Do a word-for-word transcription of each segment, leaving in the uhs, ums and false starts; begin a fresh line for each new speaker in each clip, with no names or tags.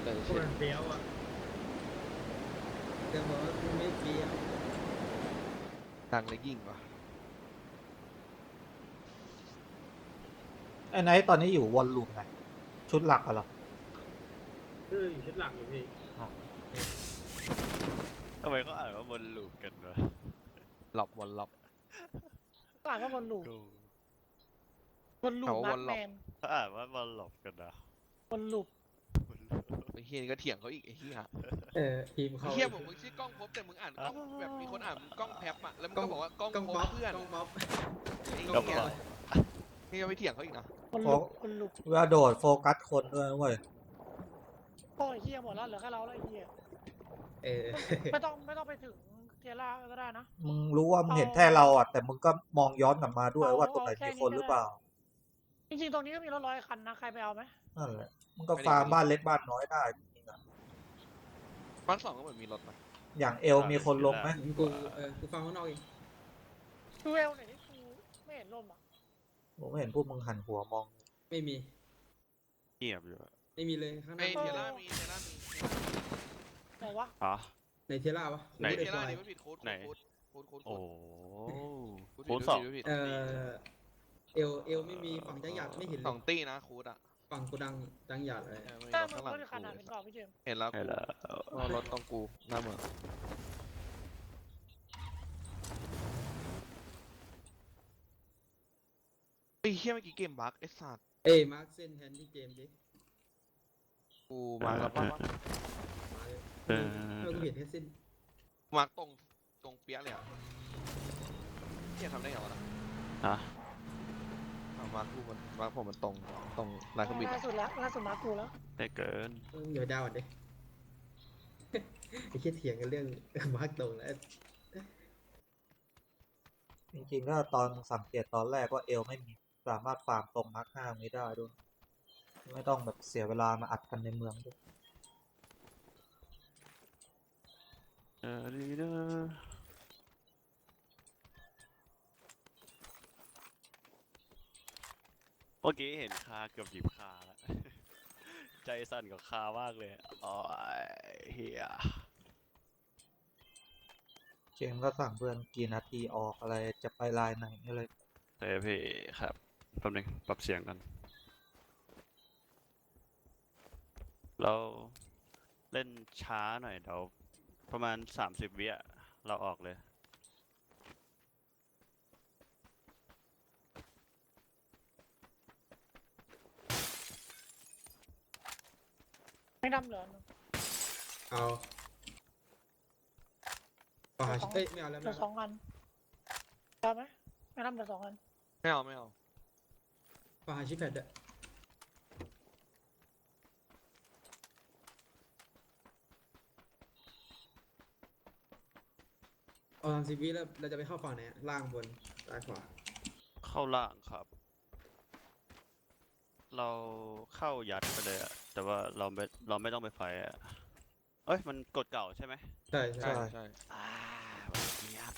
เออ
ค
เช่น
นเฟี้ยวอ่ะแต่บอกว่ากูไม่เฟี้ยว
ดังเลยยิ่งว่ะ
ไอ้ไนท์ตอนนี้อยู่วอลลุ่มไหนชุดหลักอะเหรอ
คืออยู่ชุดหลักอยู่พี่
ทำไมเขาอ่านว่าบนลูปกันวะ
หลับวันหลับ
อ่านว่าบอลลูป
กู
บอลลูป
เอาว่า
มาร์
บอล
ค
ล็
แม
อก
น
เขาอ่านว่าบอลหลบกันนะ
บอลลูป
ไอ้เฮียนี่ก็เถียงเขาอีกไอ้เฮีย
เออทีม
ไอ้
เขา
เฮียบอกมึงชื่อกล้องพบแต่มึงอ่านกล้องแบบมีคนอ่านมึงกล้องแพบอ่ะแล้วมึงก็บอกว่ากล้อง
กล้อง
พ
ป๊
บ
อป
เพื่อน
กล้องป๊อป
ไอ้
กล้อง
เฮีย
ป๊อป
นี่ก็ไปเถียงเขาอีกนะ
บอลลูปบอลลูป
เวลาโดดโฟกัสคนด้วยเว้ย
โอ้ยเฮียหมดแล้วเหลือแค่เราแล้วไอ้เฮีย
เออ
ไม่ต้องไม่ต้องไปถึงเทียร่าก็ได้นะ
มึงรู้ว่ามึงเห็นแค่เราอ่ะแต่มึงก็มองย้อนกลับมาด้วย
เอา
ว่าตรงไหน
เอาแค่
มี
นี้
คน
ก็
หรือ
ได้
เปล่า
จริงๆตรงนี้ก็มีรถร้อยคันนะใครไปเอาไหม
นั่นแหละมึงก็ฟาร์มบ้านเล็กบ้านน้อยได้จริงๆอะ
บ้านสองก็เหมือนมีรถนะ
อย่างเอลมีคนลงไหม
กูเออกูฟังข้างนอกเอง
ดูเอลหน่อยนี่กูไม่เห็นร่มอ่ะ
ผมไม่เห็นพวกมึงหันหัวมอง
ไม่มี
เงียบอยู่อะ
ไม่มีเลยข้างห
ไอ้
น้า
เทล่ามีเทล่ามี
ไหนวะ
อ๋อ
ในเทล่าวะ
ไหน
ไอ้
กู
เท
ม่
ล่า
ด้
ดี
ควาย
ไม่ผิดโค้ด
ไหน
โค้ดโค้ดโค้ด
โอ้
โค้ด
โค้ดสอง
ผิดผิด
เอ
ผิด
อเอลเอลไม่มีฝั่งจังหยัดไม่เห็น
ส
เล
อง
ย
ตี้นะโค้ดอ่ะ
ฝั่งกูดังจังหยัดเลย
เออไม่มี
แต่
รถ
มึง
ข้างหลัง
รถอีกคันอ่ะ
กู
เป็นกรอบพี่เจมส์
เห็นแล้ว
ใช่
กู
แล้ว
ว่ารถต้องกูหน้าเมืองไอ้เฮียเมื่อกี้เกมบั๊กไอ้สัตว์
เอ้ยมาร์คเส้นแทนที่เจมส์ดิ
กูมาแล้วป่ะวะ
มาเลย
เออ
เออกูเห็นแค่เส้น
มาตรงตรงเปี้ยเลยอ่ะเฮียทำได้ไงวะนะ
ฮะ
เอามากูมันมาผมมันตรงตรงลายเครื่องบิน
ล่า
อะ
สุดแล้วล่าสุดมากูแล้ว
ได้เกิน
เออเดี๋ยวดาวก่อนดิ ไอ้เคียเถียงกันเรื่อง มาร์คตรงแล้ว
จริงๆก็ตอนสังเกตตอนแรกว่าเอลไม่มีสามารถฟาร์มตรงมาร์คห้าไม่ได้ด้วย ไม่ต้องแบบเสียเวลามาอัดกันในเมืองด้วย
เออดีนะเมื่อกี้เห็นคาเกือบหยิบคาแล้ว ใจสั่นกับคามากเลยอ๋อเฮีย
เจมส์ก็สั่งเพื่อนกี่นาทีออกอะไรจะไปไลน์ไหนอะไร
เฮ้ยพี่ครับแป๊บนึงปรับเสียงกัน เราเล่นช้าหน่อยเดี๋ยวประมาณสามสิบวิอะเราออกเลย
ไม่ดำเหลือ
เอาปาเอ้ยไม่เอาแล้ว
เหลื
ไม่
อส
เอา
องอันได้ไหมไม่ดำเหลือสองอัน
ไม่เอาไม่เอา
ปาชิปแพดอะเอาทำสิบวิแล้วเราจะไปเข้าฝั่งไหนอะล่างบนซ้ายขวา
เข้าล่างครับ เราเข้ายัดไปเลยอะแต่ว่าเราไม่เราไม่ต้องไปไฟอะเอ้ยมันกดเก่าใช่ไหม
ใช่ใช่
ใช่ใช่
อ่าวันนี้ครับ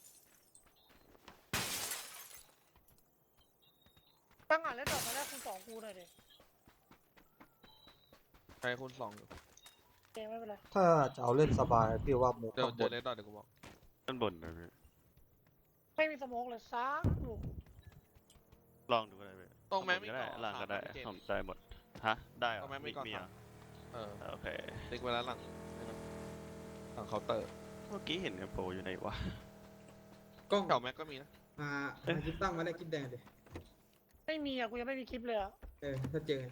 ตั้งอ่านเล่นดอกมาแรกคุณสองกูหน่อยดิ
ใช่คุณสองอยู่
เจมส์ไม่เป็นไร
ถ้าจะเอาเล่นสบายพี่ว่ามูฟ
เดี๋ยว
ข้างบ
เดี๋ยวน เล่นต่อเดี๋ยวกูบอก
ด้านบนนะพี่
ไม่มีสโมกเลยซักลูก
ลองดูก็ได้พี่
ตรงแม้
ข้าบ
ไม่
นก็ได้
ก่อ
ล่างก็ได้
ถามพี่เจม
ผม
ส์
ได้หมดฮะได้เหร
ตร
อง
แม้ไม่ก่อ
มี
ถาม
อ่ะ
เออ
โอเค
ติ๊กไว้แล้วหลังนี่นะหลังเคาน์เตอร์
เมื่อกี้เห็นกระโปรงอยู่ไหนวะ
กล้อง
เก่าแม็กก็มีนะ
มา
เอ๊ะ
มาคลิปตั้งมาได้คลิปแดงดิ
ไม่มีอ่ะกูยังไม่มีคลิปเลยอ่ะ
เออถ้าเจอไง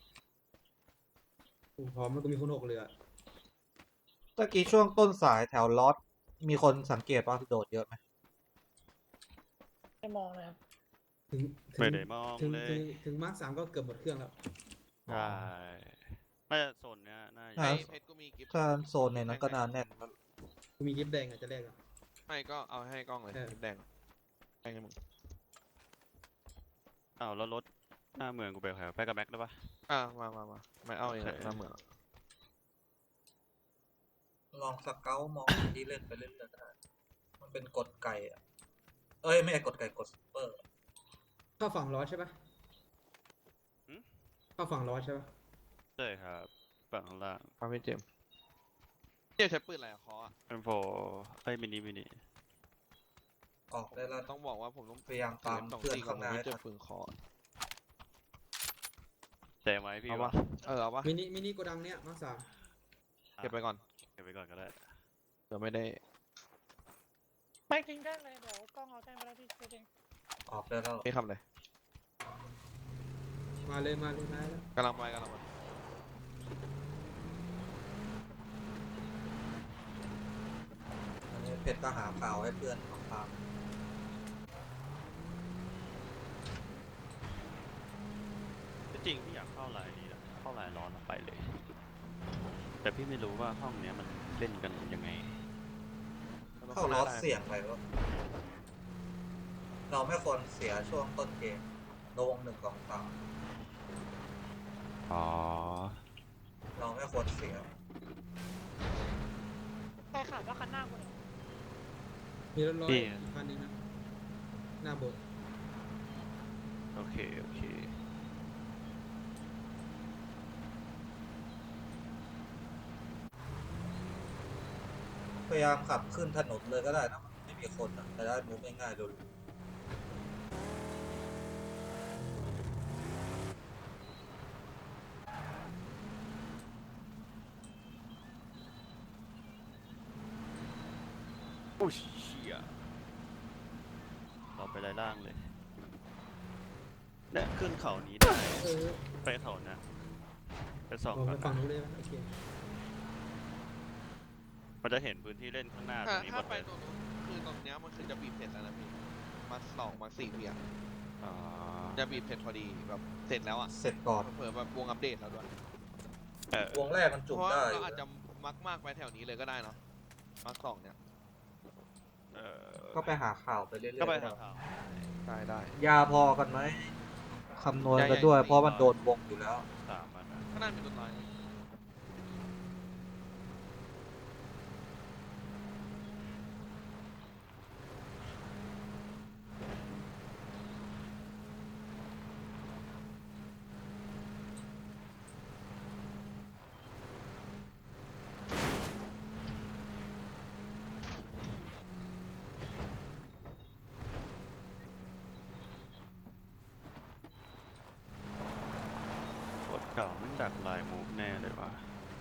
กูพร้อมแล้วกูมีคนหกเรือ
ตะกี้ช่วงต้นสายแถวลอสมีคนสังเกตว่าโดดเยอะไหม
ไม่มองเลยครับ
ถึงถึ
ไม่
ง
ได้มอง
ถึง
เล
ถึ
ย
งถึงมาร์คสามก็เกือบหมดเครื่องแล้ว
ใช่น่าจะโซนเนี้ยน่าจะ
อ่า
ไอ้เพชรก็มีกิฟต์
ถ้าโซนในนั้นก็นานแน่นแล้ว
กูมีคลิปแดงอ่ะจะแรกอ่ะ
ไม่ก็เอาให้กล้องเลย
เออ
กิฟต์แดงให้มึง
อ้าวแล้วรถหน้าเมืองกูไปแถวไปกับแม็กได้ปะ
อ่ะมามามาไม่เอาเอง
โอเค
หน้าเมือง
ลองสเกลมองที่เล่นไปเล่นได้มันเป็นกดไก่อะเอ้ยไม่ใช่กดไก่กดซุปเปอร์
เข้าฝั่งล้อใช่ปะเข้าฝั่งล้อใช่ปะ
ใช่ครับฝั่งข้างล่าง
ฟังพี่เจมส์เนี่ยใช้ปืนอะไรอะคออะ
เอ็มโฟเอ้ยมินิมินิ
ออกได้แล้ว
ต้องบอกว่าผมต้อง
พยายามตาม
สอง
เพื่อน
ตีก่อน
ข้างหน้า
ผมไม่
ให้
เจ
ทั
อน ปืนคอ
แจมไว้พี่
เอา
วะ
ปะเออเอาปะ
มินิมินิโกดังเนี้ยมาร์คสาม
เก็บไปก่อน
เก็บไว้ก่อนก็ได้
เดี๋ยวไม่ได้
ไม่จริงได้เลยเดี๋ยวกล้องเอาแต้มไปแล้วพี่เจง
ออกได้แล้ว
ไม่ทำเลย
มาเลยมาเลยมาแล้ว
กำลังไปกำลังไป
อันนี้เพชรก็หาข่าวให้เพื่อนของทาง
จริงพี่อยากเข้าไลน์นี้นะเข้าไลน์ร้อนแล้วไปเลย แต่พี่ไม่รู้ว่าห้องเนี้ยมันเล่นกันยังไง
เข้าลอสเสี่ยงไปวะเราไม่ควรเสียช่วงต้นเกมลงหนึ่งสองสาม
อ๋อ
เราไม่ควรเสีย
ใครขาดว่าคันหน้ากูเนี่ย
มีรถร้อย
พี่
คันหนึงนะหน้าโบสถ์
โอเค โอเค
พยายามขับขึ้นถนนเลยก็ได้นะ ไม่มีคนนะจะได้มูฟง่ายๆดู
โอ้ยเชี่ยเราไปไล่ล่างเลยเนี่ยขึ้นเขานี้ได้
เออ
ไปเขานะไปสอง
ออก
ก่
ไป
อน
ฝั่ง
นะ
นู้นเลยไหมโอเค
มันจะเห็นพื้นที่เล่นข้างหน้าตร
ถ้าง
นี้หม
ถ้า
ด
ไป
เลย
ตรงนู้นคือตรงเนี้ยมันคือจะบีบเสร็จแล้วนะพี่มาสองมาสี่เพียง
อ๋อ
จะบีบเสร็จพอดีแบบเสร็จแล้วอ่ะ
เสร็จก่อน
เผื่อแบบวงอัปเดตแล้วด้วย
เออ
วงแรกมัน
เพ
จุก
ราะว่า
ได้อ
เรา
ยู่
อาจจะมักมากไปแถวนี้เลยก็ได้เนาะมาสองเนี่ย
เออ
ก็ไปหาข่าวไปเรื่อยๆ
ก็ไปหาข่าว
ได้ได้
ยาพอกันไหมคำนวณ
ให
กั
ญ่
น
ๆ
ด้วย
สี่
เพราะมันโดนวงอยู่แล้ว
สามอันนะ
ข้างหน้ามีรถน้อย
กดเก่ามันดักลายมูฟแน่เลยว่ะ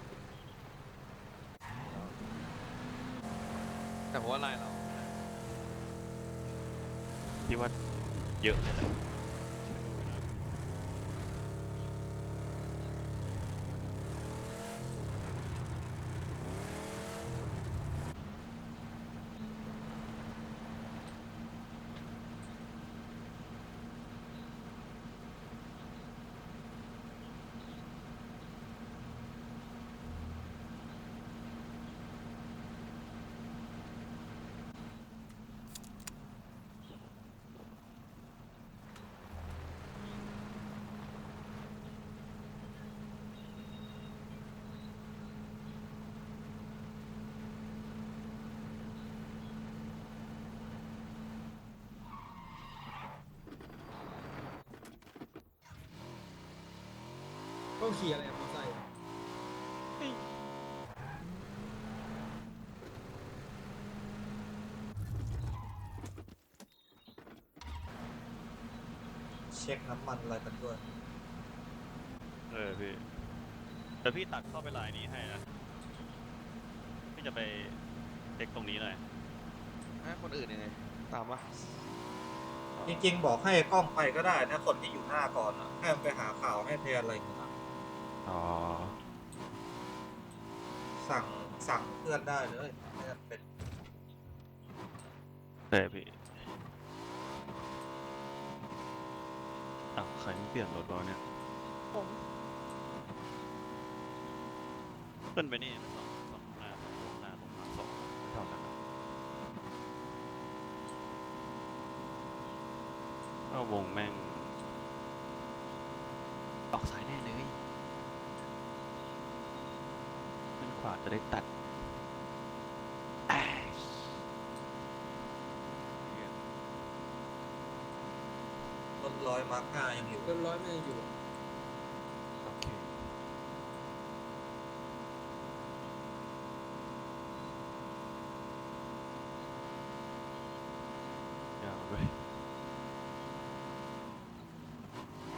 แต่ผมว่าลายเรา
พี่ว่าเยอะเลยแหละ
ต้องขี่อะไรอะมอเตอร์ไซค์อะ
เช็คน้ำมันอะไรกันด้วย
เออพี่แต่พี่ตัดเข้าไปลายนี้ให้นะ พี่จะไปเช็คตรงนี้หน่อย
ให้คนอื่นยังไงตามวะ
จริงๆ บอกให้กล้องไปก็ได้นะคนที่อยู่หน้าก่อนอะให้มันไปหาข่าวให้แทนอะไรอย่างเงี้ย
อ๋อ
สั่งสั่งเพื่อนได้เลยไม่จำเป็น
เต่พี่อ้าวใครไม่เปลี่ยนรถวะเนี่ย
ผม
ขึ้นไปนี่สองสองหน้าสองลงหน้าลงมาสองเท่านั้นนะก็วงแม่งออกสายแน่เลยขึ้นขวาจะได้ตัดแอ้ยเหี้ย
รถร้อยมาร์คห้ายังอยู่
รถร้อยไม่ยังอยู่อะ
โอเค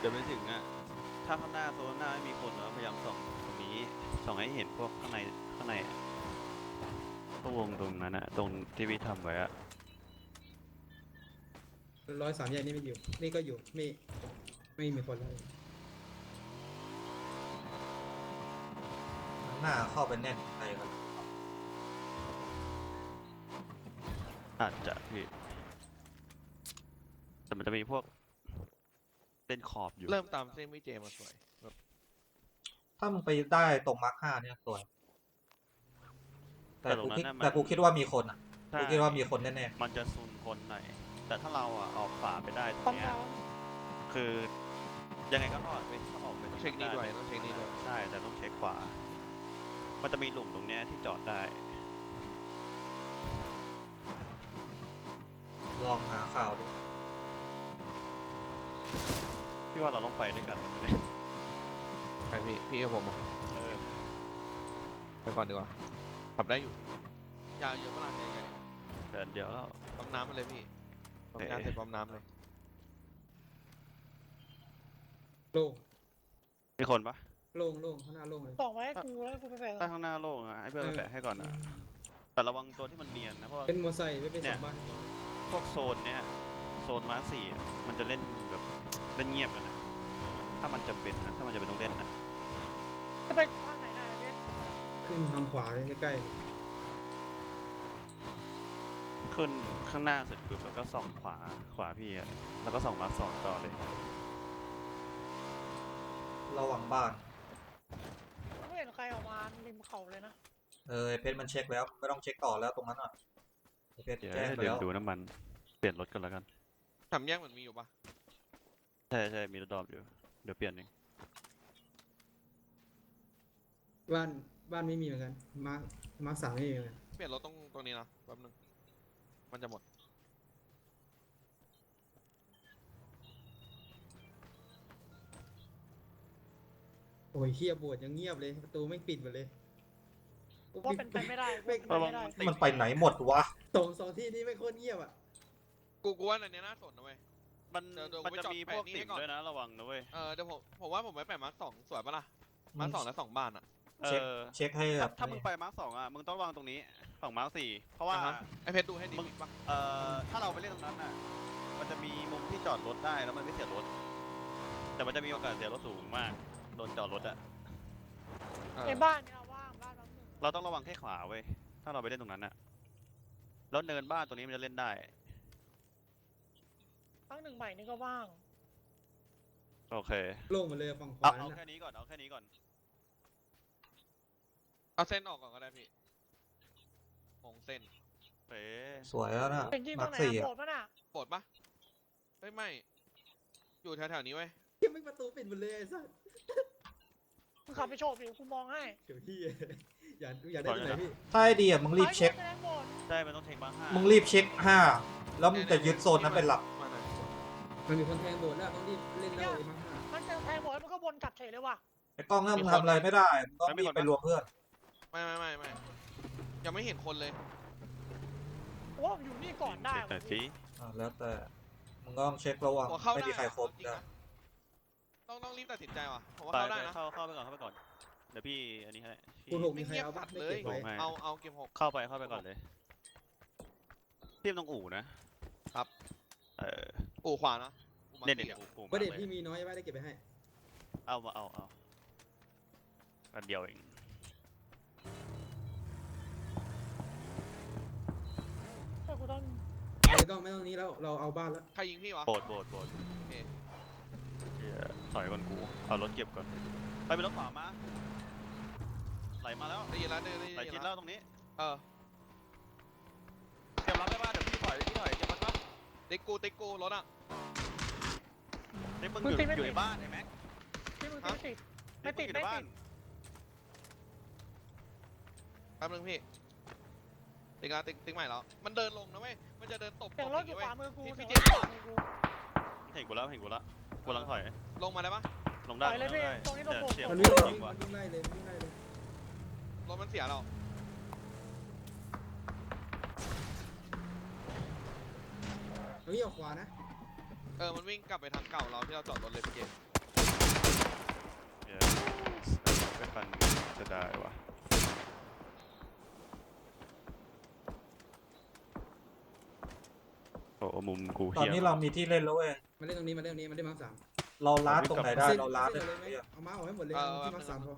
เดี๋ยวไปถึงอ่ะ ถ้าข้างหน้าโซนหน้าไม่มีคนเราพยายามส่องตรงนี้ส่องให้เห็นพวกข้างในข้างในอะพวกวงตรงนั้นอะตรงที่พี่ทำไว้อะ
ร้อยสามแยกนี่ไม่อยู่ นี่ก็อยู่ไม่ไม่มีคนเลย
หน้าเข้าไปแน่นในกัน
อาจจะพี่แต่มันจะมีพวกเส้นขอบอยู่
เริ่มตามเส้นวิเจมาสวยแบบ
ถ้ามึงไปได้ตรงมาร์คห้าเนี่ยสวย แต่
แต่ตร
กู
งนั้
คิด
นน่ะมัน
แต่กูคิดว่ามีคนอ่ะ
ใช่
กูคิดว่ามีคนแน่
มันจะซุนคนหน่อยแต่ถ้าเราอะออกขวาไปได้ตร
ต้อง ง
เนี้ย
เรา
คือยังไงก็รอดไปถ้าออกไปตรง
เช็คนี้ด้วย
ไ
ต้องเช็คนี้ด้วย
ใช่แต่ต้องเช็คขวา มันจะมีหลุมตรงเนี้ยที่จอดได้
ๆลองหาข่าวดู
พี่ว่าเราต้องไปด้วยกัน
ใครพี่พี่กับผมอ่ะ
เออ
ไปก่อนดีกว่าขับได้อยู่ยาวเยอะเวลาใหญ่ใหญ่
เดินเดี๋ยวแล้ว
ปั๊มน้ำมาเลยพี่ปั๊ม
เอ๊ะ
น้ำเสร็จปั๊มน้ำเลย
โล่ง
มีคนปะ
โล่งโล่งข้างหน้าโล่งเลย
ส่องไว้ให้กูแล้วกูไปแปะ
ถ้าข้างหน้าโล่งอะให้เพื่อนไปแปะให้ก่อนนะแต่ระวังตัวที่มันเนียนนะเพราะว่า
เป็นมอไซค์ไม่เป็นสองบ้าน
พวกโซนเนี้ยโซนมาร์คสี่อะมันจะเล่นแบบเล่นเงียบกันนะถ้ามันจะเป็นนะถ้ามันจะเป็นต้องเล่นนะ
จะไปทางไหนได้เว้ย
ขึ้นทางขวาเลยใกล้
ขึ้นข้างหน้าเสร็จปุ๊บแล้วก็ส่องขวาขวาพี่อะแล้วก็ส่องมาร์คสองต่อเลย
ระวังบ้าน
ไม่เห็นใครออกมาริมเขาเลยนะ
เออไอ้เพชรมันเช็คแล้ว ไม่ต้องเช็คต่อแล้วตรงนั้นอ่ะไอ้เพชร
เดี๋ยว
แจ้งไป
เดี๋ย
แล้ว ว
ดูน้ำมันเปลี่ยนรถกันแล้วกัน
สามแยกเหมือนมีอยู่ปะ
ใช่ใช่มีรถดรอปอยู่เดี๋ยวเปลี่ยนเอง
ๆบ้านบ้านไม่มีเหมือนกัน มาร์คมาร์คสามไม่มีเหมือนกัน
เปลี่ยนรถตรงตรงนี้นะแป๊บนึงมันจะหมด
โอ้ยเฮียบวชยังเงียบเลย ประตูไม่ปิดหมดเลย
ว่าเป็นไปไม่ได้ว่าเป็นไป
ระวัง
ไม่ได้
มันติด
มันไปไหนหมดวะ
สองสองที่นี้ไม่โคตรเงียบอ่ะ
กูกูว่าอันเนี้ยน่าสนนะเว้ย
มัน
เดี๋ยวเดี๋ยว
มัน
ไป
จะ
จอด
มี
แปะ
พวก
นี่
ติ่
ให้
ม
ก่อน
ด้วยนะระวังนะเว้ย
เออเดี๋ยวผมผมว่าผมไปแปะมาร์คสองสวยปะล่ะมาร์คสองและสองบ้านอ่ะ
เอ
เช็ค
อ
เช็คให้แบ
ถ้า
บ
ถ้ามึงไปมาร์คสองอ่ะมึงต้องระวังตรงนี้ฝั่งมาร์คสี่เพราะว่า
อ่าฮะไอเพชรดูให้ดี
มึง
ปะ
เอ่อถ้าเราไปเล่นตรงนั้นน่ะมันจะมีมุมที่จอดรถได้แล้วมันไม่เสียรถ แต่มันจะมีโอกาสเสียรถสูงมากโดนจอดรถอ่ะ
เออ
ในบ้านเนี่ยว่างบ้านน้ำหนึ่ง
เราต้องระวังแค่ขวาเว้ยถ้าเราไปเล่นตรงนั้นอ่ะแล้วเนินบ้านตรงนี้มันจะเล่นได้
ทั้งหนึ่งใหม่นี่ก็ว่าง
โอเค
โล่งหมดเลยฝั่งข
เอา
วา
เอา
นั่น
แค่
น่ะ
นี้ก่อนเอาแค่นี้ก่อน
เอาเส้นออกก่อนก็ได้พี่มงเส้น
เอ๊ะ
สวยแล้วนะ
เป็นจริงต
มา
รง
ร์ค
ไหน
สี่
อะ
อ่ะ
โบดปะน่ะ
ปวดปะเฮ้ยไม่ อยู่แถวๆนี้เว้ย
เฮียไม่ประตูปิดหมดเลยไอ้สัส
มึงขับไปโฉบดิกูมองให้
เดี๋ยวพี่ อย่าอย่าได้ที่ไหนพี่
ถ้าไอเดียมึงรีบเช็ค
ไอ้โบดแสดงโบด
ใช่มันต้องเช็คมาร์คห้า
มึงรีบเช็คห้า แล้วมึงจะยึดโซนนั้นเป็นหลัก
มาหน่อย
มันมีคนแทงโบสถ์แล้วต้องรีบเล่นแล้วไอ้มาร์คห้า
มันจะแทงโบดมันก็วนกลับเฉยเลยว่ะ
ไอ้กล้องนั่นมึงทำอะไรไม่ได้ มึงต้องรีบไปรวมเพื่อน
ไม่ไม่ไม่ไม่ยังไม่เห็นคนเลย
โอ้อยู่นี่ก่อนได้
เช็คหน่
ว่ะ
อยสิ
อ่าแล้วแต่ มึงก็ต้องเช็คระวัง
หัวเข้า
ไม่
ได้
มีใครครบ
จริง
ได้
นะต้องต้องรีบตัดสินใจว่ะผมว่า
ไป
เข้า
ไป
ได้นะ
เข้าเข้าไปก่อนเข้าไปก่อนเดี๋ยวพี่อันนี้ให้พี่
คุณหกมี
ไม่
ใคร
เงียบ
เอา
สั
บั
ต
ต
ว์
ไม่
เล
เก็
ย
บไว้
ให้
เอาเอาเกมหก
เข้าไปเข้าไปก่อนเลยพี่ต้องอู่นะครับ เออ
อู่ขวานะอู่มา
เด่นเด่น
สี่อะ
อู่อู่
ประเด็น
มาก
พี่
เลย
มีน้อยไว้ได้เก็บไปให้
เอามาเอาเอาอันเดียวเอง
แต่กูต้อง
ไม่ต้องไม่ต้องนี้แล้วเราเอาบ้านแล้ว
ใครยิงพี่วะ
โบดโบดโบด
โอเค
เหี้ยถอยก่อนกูเอารถเก็บก่อนไปเป็นรถขวามาไหลมาแล้ว
ได้ยินแล้วได้ยิน
ไหล
ได้ยิ
ชิด
น
แล้
แล้ว
วตรงนี้
เออ
เตรียมรับได้ป่ะเดี๋ยวพี่ถอยพี่ถอยเตรียมรับป่ะ
ติ๊กกูติ๊กกูรถอ่ะ
นี่มึงอยู่อยู่ในบ้านไอ้แม็ก
ที่มึง
ฮะ
ติดไม่ติด
นี่
ไม่
งอยู่ในบ้า
ติ
น
ด
แป๊บนึงพี่ติ๊กแล้วติ๊กติ๊กใหม่แล้วมันเดินลงนะเว้ยมันจะเดินตบ
เสียงรถอยู่
เว้
ขวามือกู
พี่
เสียง
พี่
ร
เจ
ถ
ม
อยู่
ส์
ขวามือกู
เห็นกูแล้วเห็นกูแล้วกูกำลังถอย
ลงมาได้ปะ
ลงได้
ถอยเลย
ลงได้
พี่ตรงนี้ลงโบสถ์
เสียง
มัน
กู
วิ่ง
จริง
มั
ว่ะ
นวิ่งไล่เลยมันวิ่งไล่เลย
รถมันเสียเรา
เอาวิ่งออกขวานะ
เออมันวิ่งกลับไปทางเก่าเราที่เราจอดรถเลยพี่เจมส์
ได้วะโอ้มุมกู
ตอน
เฮี้ย
นี้เรามีที่เล่นแล้วเว้ย
มาเล่นตรงนี้มาเล่นตรงนี้มาเล่นมาร์คสาม
เราล้าตรงไหนได้
เส้น
เราล้า
เส้
ได้
นเลยไหม
เหี้ย
เอามาร์คออกให้หมดเลย
เออ
ที่มาร์คสามพอ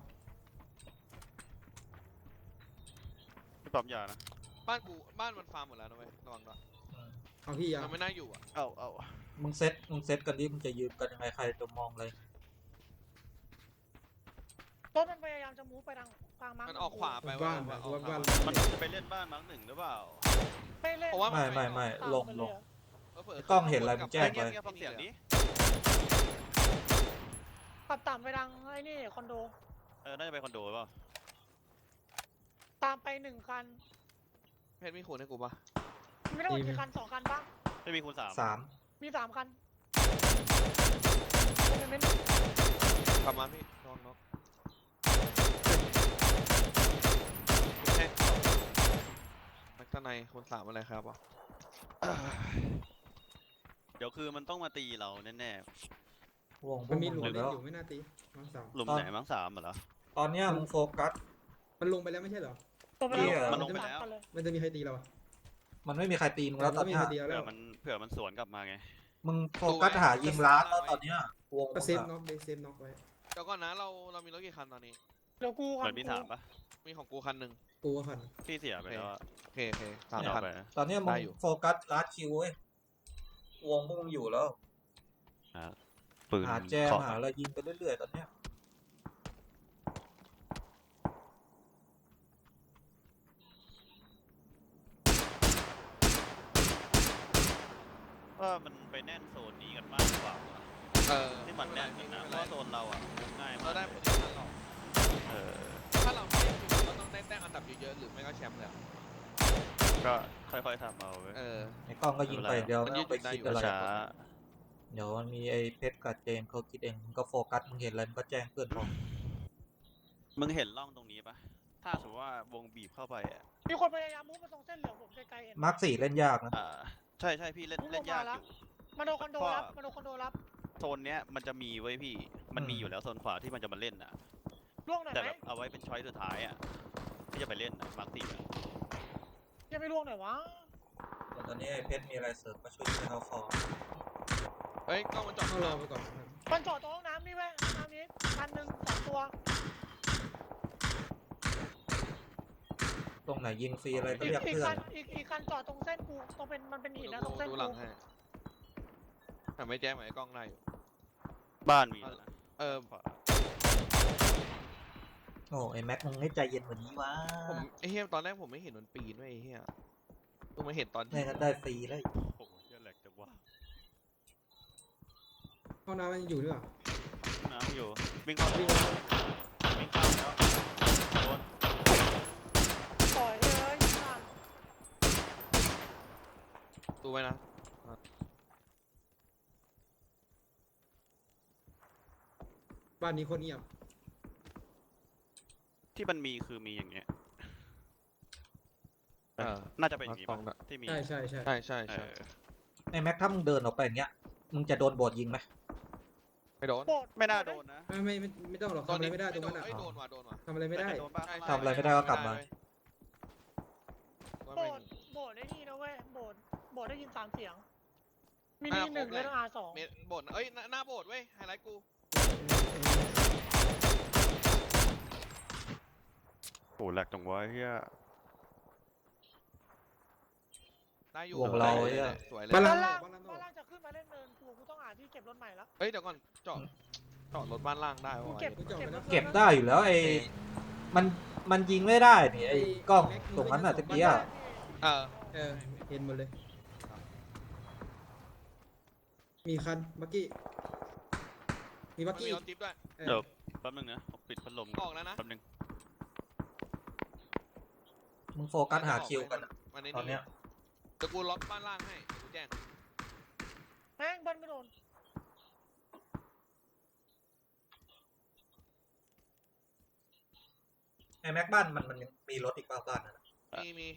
ไม่ปั๊มยานะ
บ้านกูบ้านมันฟาร์มหมดแล้วนะเว้ยระวังด้วย
เอาพี่ยา
มันไม่น่าอยู่อ่ะ
เอาเอา
มึงเซตมึงเซตกันดิมึงจะยืนกันยังไงใครจะมองเลย
ต้นมันพยายามจะมูฟไปทางกลางมั้ง
มันออกขวาไป
บ้าน
เว้
แบ
ย
บ
ออก
บ้าน
ขว
บ้าน
มันจะไปเล่นบ้านมั้งหนึ่งหรือเปล่า
ไม่เล่น
เพราะว่า
ไม่ไม่ไม่
ตาม
ลง
ไป
ล
เย
ง
อะ
เผลอๆ
กล้องเห็นอะไรมึงแจ้งไป
เงียบๆฟังเสียงนี้
ขับตามไปทางไอ้นี่คอนโด
เออน่าจะไปคอนโดหรือเปล่า
ตามไปหนึ่งคัน
เพชรมีขูนให้กูปะ
ไม่ต้องกี่คันสองคันปะ
ไม่มีคูณสาม
สาม
มีสามคันเป็นเมนต์
กลับมาพี่ระวังนกเฮ้ยแม็กซ์ในคูณสามอะไรครับวะ
เดี๋ยวคือมันต้องมาตีเราแน่
วงพว
มั
ก
นมี
มึง
หลุ
ห
ม
มด
เล่น
แล้ว
อยู่ไม่น่าตีมาร์คสาม
ๆหลุมไหนมั้งสามเหรอ
ตอนเนี้ยมึงโฟกัส
มันลงไปแล้วไม่ใช่เหรอ
ตัวไปแล้ว
เหี้ย
มันลงไปแล้ว
สาคันเย
มันจะมีใครตีเราอะ
มันไม่มีใครตีมึงแล้วตอน
ไม่มี
เนี้ย
ใครตีเรา
เผื่
แล้
อ
ว
มันเผื่อมันสวนกลับมาไง
มึงโฟกัสหายิงล้านแล้วตอนเนี้ยวง
ก็เซฟ
มึง
น็
อะ
อกเดเซฟน็อกไว้
เดี๋ยวก่อนนะเราเรามีรถกี่คันตอนนี้
เดี๋ยวกู
เห
คั
มือน นมีสามปะ
มีของกูคันหนึ่ง
กูก็คัน
พี่เสียไปแล้วอะ
โอเคโอเคสาม
ไม่เอา
คัน
ไป
ตอนเนี้ยมึ
ได้
ง
อยู่
โฟกัสลาดคิวเว้ยวงพวกมึงอยู่แล้ว
ปืน
หาแจม
เคาะ
หาอะไรยิงไปเรื่อยๆตอนเนี้ย
ว่ามันไปแน่นโซนนี้กันมากกว่าว่ะ
เออ
ที่มันแน่นกันนะเพ
ไม่
ราะ
เป็นไร
ว่าโซนเราอ่ะง่าย
เรา
มาก
ได้
เล
โพ
ย
ซิชันหรอก
เออ
ถ้าเราไม่ได้คิวเราต้องได้แต้มอันดับเยอะๆหรือไม่ก็แชมป์เลยอะ
ก็ค่อยๆทำเอาไป
เออ
ไอ้กล้องก็ยิงไปอย่างเดียว
มัน
ไม่
ยื
ต้อ
ด
งไป
ได้
คิด
อยู่
อะไร
ช้า
เดี๋ยวมันมีไอ้เพชรกับเจมส์เขาคิดเองมึงก็โฟกัสมึงเห็นอะไรมึงก็แจ้งเพื่อนพอ
มึงเห็นร่องตรงนี้ปะถ้าสมมติว่าวงบีบเข้าไปอ่ะ
มีคนพยายามมูฟมาตรงเส้นเหลืองผมไกลๆเห็น
มาร์คสี่เล่นยากนะ
อ่าใช่ใช่พี่เล่นเล่นยากอยู่
มาโดนคอนโดรับมาโดนคอนโดรับ
โซนเนี้ยมันจะมีไว้ยพี่ มันมีอยู่แล้วโซนขวาที่มันจะมาเล่นอ่ะ
ล่วงหน่อย
แต่
ไหม
แบบเอาไว้เป็นช้อยสุดท้ายอ่ะที่จะไปเล่นอะมาร์คสี่อะ
ยังไม่ล่วงหน่อยวะ
แต่ตอนนี้ไอ้เพชรมีอะไรเสริมมาช่วยให้เขาฟอร์
เฮ้ยกล้องมันจอด
เข้ารอไปก่อน
มันจอดตรงห้องน้ำนี่เว้ยห้องน้ำนี้คันหนึ่งสองตัว
ตรงไหนยิงฟรีอะไรก็
อีก
เรียก
อีก
เพื่อ
คั
น
นอีกอีกคันจอดตรงเส้นกูตรงเป็นมันเป็นหินนะตรงเส้น
ดูหลั
กู
งให้แต่ไม่แจ้งไหมไอ้กล้องได้อยู่
บ้านมีแล้วนะ
เออ
ขวา
โอ้ไอ้แม็กมึงให้ใจเย็นกว่านี้วะ
ผมไอ้เฮียตอนแรกผมไม่เห็นมันปีนด้วยไอ้เฮียเพิ่งมาเห็นตอน
ไม่งั้นได้ฟรีแล้ว
โอ้โหเหี้ยแหลกจังวะ
ห้องน้ำมันอยู่หรือเปล่า
น้ำอยู่วิ่งเข้า
วิ่ง
วิ่งเข้าแล้วโดน
ปล่อยเลยผ่าน
ดูไว้นะ
บ้านนี้โคนเงียบ
ที่มันมีคือมีอย่างเงี้ย
เออ
น่าจะเป็นอย่างงี้
มา
ปะ
สองละ
ที่มี
ใช่ใช่ใช่
ใช่ใช่
เอ
ใช่
อ
ไอ้แม็กถ้ามึงเดินออกไปอย่างเงี้ยมึงจะโดนโบดยิงไหม
ไม่โดน
โบด
ไม่น่าโดนนะ
ไม่ไม่ไม่ไม่ต้องหรอกทำอะไรไม่ได้ตรงนั้นอ่ะ
เอ้ยโดนว่ะโดนว่ะ
ทำอะไรไม่ได้
โดนปะ
ใช่
ทำอะไรไม่ได้ก็กลับมา
โบดโบดได้นี่นะเว้ยโบดโบดได้ยินสามเสียงมินิหนึ่งแล้วอาร์สอง
เมตรโบดเอ้ยหน้าหน้าโบดเว้ยไฮไลท์กู
โหแหลกจังวะเฮีย
ได้อยู่
วงเรา
ได้
เนี่ย
สวยเลย
บ้าน
บ้า
ล่าง
นล่าง
บ้านล่าง
บ้านล่างจะขึ้นมาเล่นเนินกูกูต้องหาที่เก็บรถใหม่ละ
เอ้ยเดี๋ยวก่อนจอดจอดรถบ้านล่างได้
กู
วะ
เก็บเก็บรถ
เก็บได้อยู่แล้วไอ้มันมันยิงไม่ได้นี่ไอ้กล้องตรงนั้นน่ะตะกี้อะ
เออ
เออเห็นหมดเลย มีคันบักกี้ มีบั
มั
ก
น
กี้
มีรถจิ๊บด้วย
เออ
เดี๋ยวแป๊บนึงนะผมปิดพัดลม
ออกแล้วนะ
แป๊บนึง
มึงโฟกัสหาคิวกันอะ
มันใน
ตอนเนี้ย
เดี๋ยวกูล็อกบ้านล่างให้เดี๋ยวกูแจ้ง
แม่งบ้านไม่โดน
ไอ้แม็กบ้านมันมันยังมีรถอีกบ้างบ้านนะ
มีมี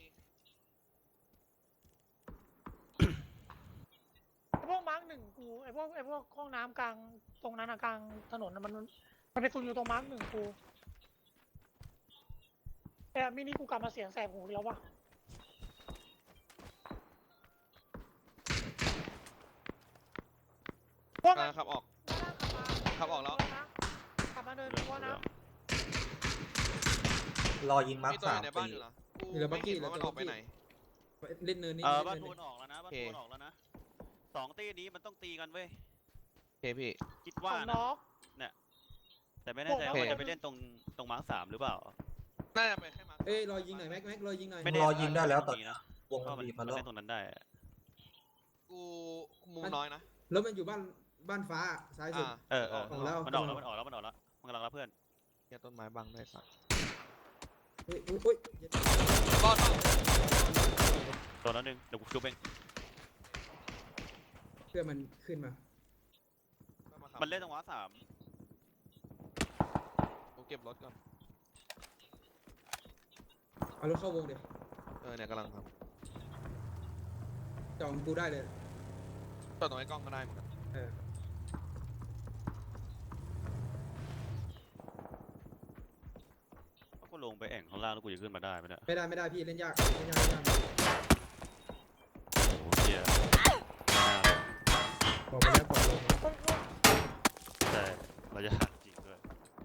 ไอพวกมาร์กหนึ่งกูไอพวกไอพวกห้องน้ำกลางตรงนั้นอะกลางถนนอะมันมันไปซุนอยู่ตรงมาร์กหนึ่งกูแต่มินิกูกลับมาเสียงแสบหูอีกแล้ววะพวก
กำ
มั
ลั
น
งขับออก
ขับ
ขับออกแล้ว
กลับมาเดิน
เหลื
ดู
อง
ว่า
เหลื
นะ
อง
รอยิงมาร์ค
มีตัวอ
สาม
ยู่ในบ้าน
ตี
อยู่นะกู
มีแล้วบั
ไม่
กกี้
เห็นว่ามัน
แล้ว
ออกไปไหน
เล่นเนินนี่
เออ
เล่น
บ้าน
เนิ
ทู
น
นออกแล้วนะบ้าน
โอเค
ทูนออกแล้วนะสองตีนี้มันต้องตีกันเว้ย
โอเคพี่
คิด
ว่า
ว่านะ
น็อก
แต่ไม่แน่ใจ
โอเค
ว่าจะไปเล่นตรงตรงมาร์คสามหรือเปล่า
น่าจะไปแค่มาร์ค
เอ้ยรอยิงหน่อยแม็กแม็กรอยิงหน่อย
ไม่
มึ
แน่
งรอยิงได้แล้วตอน
นี้
นี้
นะ
วง
เพ
มั
ราะ
น
มัน
บีบ
มั
มาน แล้ว
เล่นตรงนั้นได้อะ
กูมุมน้อยนะ
แล้วมันอยู่บ้านบ้านฟ้าซ้ายสุด
อ่า
เออเออ
ออกแล้ว
มันออกแล้วมันออกแล้วมันออกแล้วมันกำลังรับเพื่อน
เหี้ยต้นไม้บังได้สัก
เฮ้ยอุ้ยอุ้ย
บอล
ตัวนั้นหนึ่งเดี๋ยวกูชุบเอง
เพื่อมันขึ้นมา
มันเล่นตรงมาร์คสาม
กูเก็บรถก่อน
เอารถเข้าวงเดี๋ยว
เออเนี่ยกำลังครับ
จองกูได้เลย
จอดตรงไอ้กล้องก็ได้เหมือนกัน
เออ
ก็ลงไปแอ่งข้างล่างแล้วกูจะขึ้นมาได้ไหมเนี่ย
ไม่ได้ไม่ได้พี่เล่นยากเล่นยากเล่นยาก
โอ้โหเฮียไม่น่าเลย
บอกไปแล้วบอกลง
ใช่เราจะหักจริงด้วย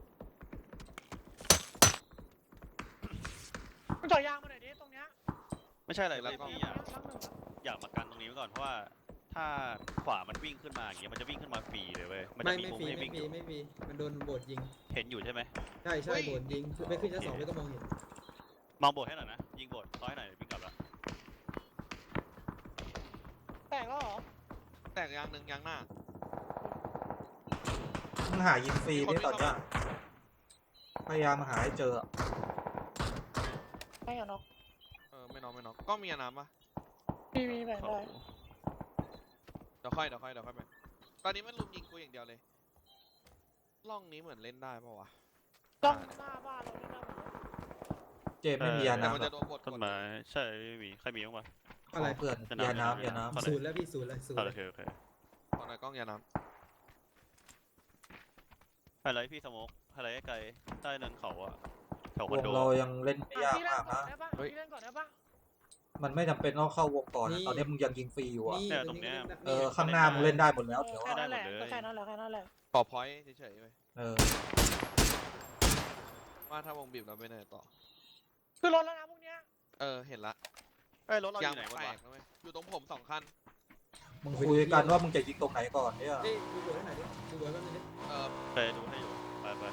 มันจ่อยยางมาหน่อยดิตรงเนี้ย
ไม่ใช่อะไรเลย
ตรง
พี่
เนี้
อย ยาก
รักหนึ่ง
อยากมากันตรงนี้ไว้ก่อนเพราะว่าถ้าขวามันวิ่งขึ้นมาอย่างเงี้ยมันจะวิ่งขึ้นมาฟรีเลยเว้ยมัน
ไม่
จะมี
ไม่
มุม
ฟรี
ให้
ไม่
วิ่ง
ฟ
อ
รี
ยู่
ไม่ฟรีมันโดนโบดยิง
เห็นอยู่ใช่ไหม
ใช่ใช่โบดยิงไม่ขึ้นชั้นสองไม่ก็มองเห็น
มองโบดให้หน่อยนะยิงโบดซ้อยหน่อยวิ่งกลับละ
แตกแล้วเหรอ
แตกยางหนึ่งยางหน้า
มึงหายิงฟรี
มีคน
ได้ตอน
วิ่
เนี้
ง
ย
เข้ามา
พยายามหาให้เจอ
ไม่เหรอน็อก
เออไม่น้องไม่น้องกล้องมียาน้ำปะ
มีมีแบ่ง
โอ้
ได้
โห
เดี๋ยวค่อยเดี๋ยวค่อยเดี๋ยวค่อยไปตอนนี้มันลุมยิงกูอย่างเดียวเลยล่องนี้เหมือนเล่นได้ปะวะ
ต้องหน้าบ้านเราที่หน้าหมดเลย
เจมส์ไม่มียา
แต่มัน
น้ำหร
จะ
อก
โดนบด
ต้นไม้ใช่ไม่มีใครมีบ้างวะ
อะไร
เพื่อน
จะ
ยา
จะ
น้ำยาน้
เข้าไหน
ศูนย์แล้วพี่ศูนย์เลยศูนย์
อ่ะ
เล
โอย เคโอเค
ตอนไหนกล้องยาน้
ไฮไลท์พี่สโมกไฮไลท์ไกลใต้เนินเขาอะแถว
ำ
คอน
ว
โด
งเรายังเล่นไม่ยาก
พี่เล่น
มาก
ก่อน
นะ
ได้ปะพี่เล่นก่อนได้ปะ
มันไม่จำเป็นต้องเข้าวงก่อนนะตอนนี้มึงยังยิงฟรีอยู่อ่ะ
นี่
เนี่ยตรงเนี้ย
เออข้างหน้ามึงเล่นได้หมดแล้ว
เอ
เดี๋
อ
ยว
แค่
อะ
นั้นแหละ
ได้หมดเลย
ก็แค่นั้นแหละแค่นั้นแหละ
ำขอพอยต์เฉยๆเว้ย
เออ
ว่าถ้าวงบีบเราไปไหนต่อ
คือรถแล้วนะพวกเนี้ย
เออเห็นละ
เอ้ยรถเราอย
าง
ยู่ไหน
แต
วะ
กนะเว้ยอยู่ตรงผมสองคัน
มึงคุยกันว่ามึงจะยิงตรงไหนก่อนเนี่ย
เอ้ยดูโบดให้หน่อยดิดูโบดแป๊บนึงดิ
เออ
ไปดูให้อยู่ไปไป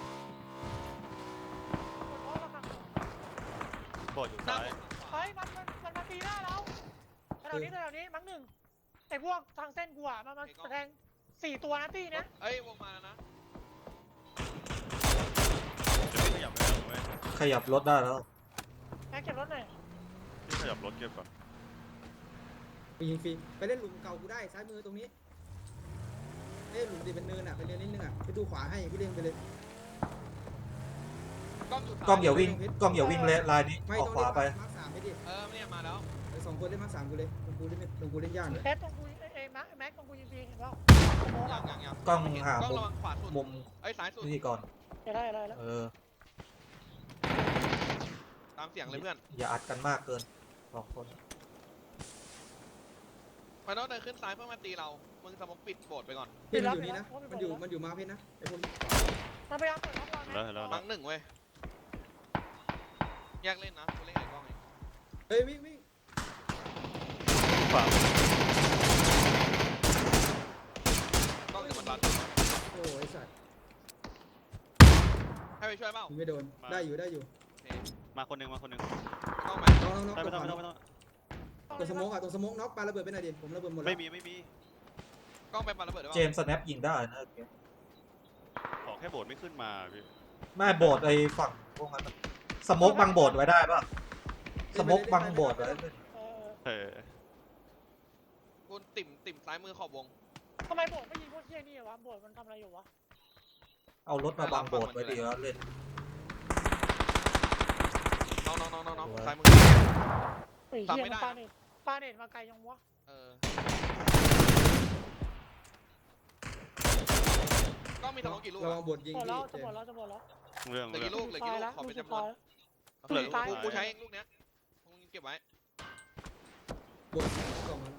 กดล้อแล้วครับ
โบดอยู่
หน้า
ซ้าย
ผมขวา
เฮ้ยมันมันมันมาตีหน้าเราแถวนี้แถวนี้มั้งหนึ่งไอ้พวกทางเส้นกูอ่ะมันมาแสดงสี่ตัวนะตีเนี้ย
เอ้ยวงมาแล้วนะ
เดี๋ยวพี่ขยับไปก่อนเว้ย
ขยับรถได้แล้ว
แม็กเก็บรถหน่อย
พี่ขยับรถเก็บก่อน
ไปยิงฟรีไปเล่นหลุมเก่ากูได้ซ้ายมือตรงนี้เอ้ยหลุมดิเป็นเนินอ่ะไปเนินนิดนึงอ่ะไปดูขวาให้พี่เล่นไปเลย
กล้องอยู่ซ้าย
กล้องอย่าวิ่งกล้องอย่าวิ่งเลยลายนี้
ไม่
ออก
ต้อง
ขวา
เล่น
ไป
มาร์คสามไปดิ
เออเนี่ยมาแล้ว
ไอ้สองคนเล่นมาร์คสามกูเลยตรงกูเล่นไม่ตรงกูเล่นยากเลย
เทสตรงกูเอ้ยแม็กแม็กตรงกูยิงฟรีเห็นเปล่าสโมก
ยั
อ่ะ
งยังยัง
กล้อง
ไม่เน
หาก
ล้อง
มุม
ระวังขวาสุด
มุม
เอ้ยซ้ายสุด
นี่ก่อน
เดี๋ยวได้ได้แล้ว
เออ
ตามเสียงเลยเพื่อน
อย่าอัดกันมากเกินสองคน
มันต้องเดินขึ้นซ้ายเพื่อมาตีเรา มึงสมองปิดโบสถ์ไปก่อน
พี่มันอยู่นี่นะมันอยู่มันอยู่มาร์คเพชรนะไอ้พวก
มันพยายามเปิดล็อกเรา
เห็นแล้วเห็นแล้วเห็น
มั
แล้ว
งหนึ่งเว้ยแยกเล่นนะกูเล่นไอ้กล้องเอง
เฮ้ยวิ่งวิ่ง
ขวาก
ล้องอยู่บนบัน
โอ้ยสัตว์
ให้ไปช่วยเปล่า
ยิงไม่โดนได้อยู่ได้อยู่
โอเค
มาคนหนึงมาคนหนึง
กล้องไหม
น้องน้องน้อง
ไม่ต้อง
ต
ไม่
ร
ต้อง
ง
ไม่ต้อง
ตรงสโมกอ่ะตรงสโมกน็อกปาระเบิดไปหน่อยดิผมระเบิดหมดแล้ว
ไม่มีไม่มี
กล้องไปปาระเบิดได้
เจ
เปล่าม
ส์สแนปยิงได้นะโอเค
ขอแค่โบดไม่ขึ้นมาพี่
ไม่โบดไอ้ฝั่งพวกนั้นอะสโมกบังโบดไว้ได้ป่ะสโมกบังโบดไว้
เออ
เออ
กูติ่มติ่มซ้ายมือขอบวง
ทำไมโบดไม่ยิงพวกเที่ยนี่วะโบดมันทำอะไรอยู่วะ
เอารถมาบังโบดไว้ดีแล้วเล่น
น้องน้องน้องน้องน้อง
สวย
ซ้ายมือ
ไอ้
ทำ
เหี้ย
ไม่ได้
มันปาเน็ตปาเน็ตมาไกลยังวะ
เออ กล้องมีสมองกี่ลูก
ระวั
อะ
งบดยิง
หมด
พี่
แล้ว
เจ
จะหมด
ม
แล้วจะหมดแล้ว
เรื่อง
เหลือ
เรื่อ
กี่
ง
ลูกเหลือกี่ลูกขอเป็นจำนวนเหลือ
ตาย
กูกูใช้เองลูกเนี้ยมึงเก็บไว้
บนกล่องมาแล้ว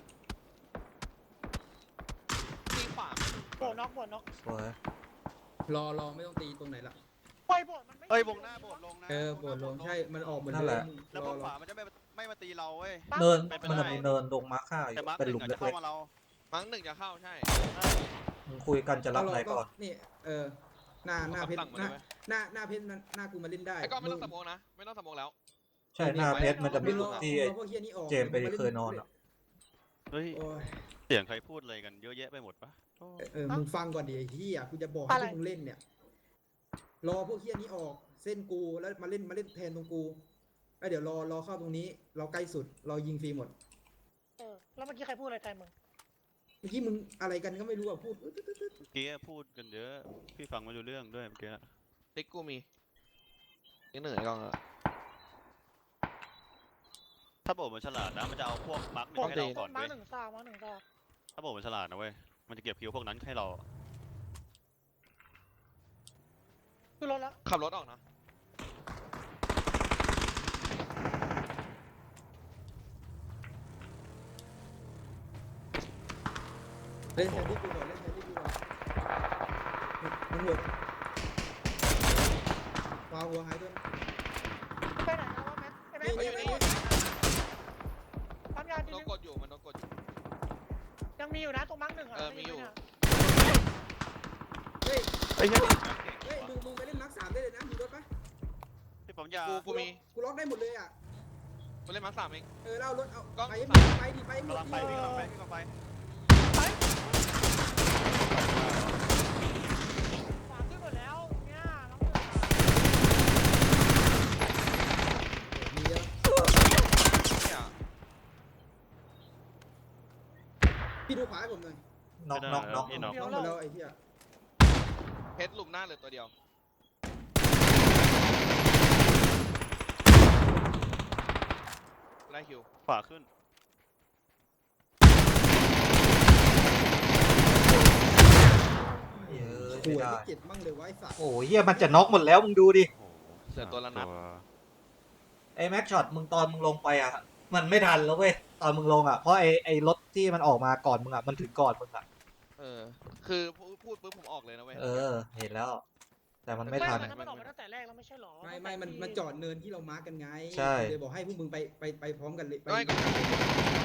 ตีขวา
โบดน็อกโบดน็อก
สวย
รอรอไม่ต้องตีตรงไหนละ
ปล่อยโบดมันไม่
เอ้ยวงหน้าโบดลงนะ
เออบนลงใช่มันออกเหมือน
นั่น
เดิ
แหละ
ม
แล้ว
ร
พ
อ
วก
ร
ข
อ
วามันจะไม่ไม่มาตีเราเว้ย
เนิน
เป็นไป
มันจะ
ได้
มีเนินตรงมาร์คห้าอยู่
แต่มาร์ค
เป็น
ห
หลุ
นึ่
ม
งอาจจะ
เล็
เข้าก มาเรา
มั้งหนึ่งจะเข้าใช่
ๆมึงคุยกันจะรับไหนก่อน
นี่เออหน้าหน้าเพชร
คำสั่งมา
ห
เล
น้าย
ไหม
หน้าหน้าเพชรหน้ากูมาเล่นได้
ไอ้ก้อนไม่ต้องสโมองนะไม่ต้องสโมองแล้ว
ใช่หน้าเพชรมันจะมี
ร
จุ
อ
ดที่
รอพวกเฮียนี้ออก
เจมส์ไปเคยนอนอะ
เฮ้ย
โอ้ย
เสียงใครพูดอะไรกันเยอะแยะไปหมดปะโอ้
เออมึงฟังก่อนดิไอ้เฮียกูจะบอกให้พวกมึงเล่นเนี่ยรอพวกเฮียนี้ออกเส้นกูแล้วมาเล่นมาเล่นแทนตรงกูไอ้เดี๋ยวรอรอเข้าตรงนี้ เราใกล้สุดเรายิงฟรีหมด
เออแล้วเมื่อกี้ใครพูดอะไรแทนมึง
เมื่อกี้มึงอะไรกันก็ไม่รู้อ่ะพูดอึ๊ดอึ๊ดอึ๊ด
เมื่อกี้พูดกันเยอะ พี่ฟังไม่รู้เรื่องด้วยเมื่อกี้
ติ๊กกูมีติ๊กหนึ่งไอ้ก้อนอะ
ถ้าโบดมันฉลาดนะมันจะเอาพวกมาร์คหนึ่
โบ
ง
ด
ให้เราก่อน
มา
เว้ย
หนึ่งซากมาหนึ่งซาก
ถ้าโบดมันฉลาดนะเว้ยมันจะเก็บคิวพวกนั้นให้เรา
คือรถแล้ว
ขับรถออกนะ
เล่นแทนที่กูก่อนเล่นแทนที่กูก่อนมันหมดวางหัวหายตัว
ไปไหนนะวะแม็กไอ้แม็ก
นี่
ไป
นี่
ไหน
นี่
ทำงานที
โดน
นึง
กดอยู่มันโดนกดอยู่
ยังมีอยู่นะตรงมาร์กหนึ่งอะ
เออมีอยู่
เฮ้ย
เฮ้ยเฮ้ย
เฮ้ยมึงมึงไปเล่นมาร์คสามได้เลยนะมีรถปะ
พี่ผมยา
กูกูมี
กูล็อกได้หมดเลยอ่ะ
กูเล่นมาร์คสามเอง
เออเราเอารถเอา
กล้อง
ไปให้หม
สา
ด
ม
ไปดิไปให้หมด
กำลังไปพี่กำลังไปพี่กำลังไป
ไปฝาขึ้นหมดแล้วเนี่ยน้องหนึ่งอะ
มีเยอะ
เนี่ย
พี่ดูขวาให้ผมหน่อย
น็อกน็อกน็อก
พี่น็อก
น้องหมดแล้วไอ้เหี้ย
เพชรหลุมหน้าเหลือตัวเดียวไล่คิว
ขวาขึ้น
เยอะ
หั
ไม่
ว
ได้
ที่เจ็ดมั่งเลยวะไอ้สัตว์
โอ้ยเฮียมันจะน็อกหมดแล้วมึงดูดิ
โอ้โห
เหลือตัวละนัด
ไอ้แม็กช็อตมึงตอนมึงลงไปอ่ะ มันไม่ทันแล้วเว้ยตอนมึงลงอ่ะเพราะไอ้ไอ้รถที่มันออกมาก่อนมึงอ่ะมันถึงก่อนมึงอ่ะ
เออคือพูดพูดปุ๊บผมออกเลยนะเว้ย
เออ เห็นแล้ว แต่มันไม่
ไม่
ทัน
มันมันออกมาตั้งแต่แรกแล้วไม่ใช่หรอ
ไม่ไม่มันมันจอดเนินที่เรามาร์กกันไง
ใช่
เลยบอกให้พวกมึงไปไปไปพร้อมกันเลยไป
ไม่ก็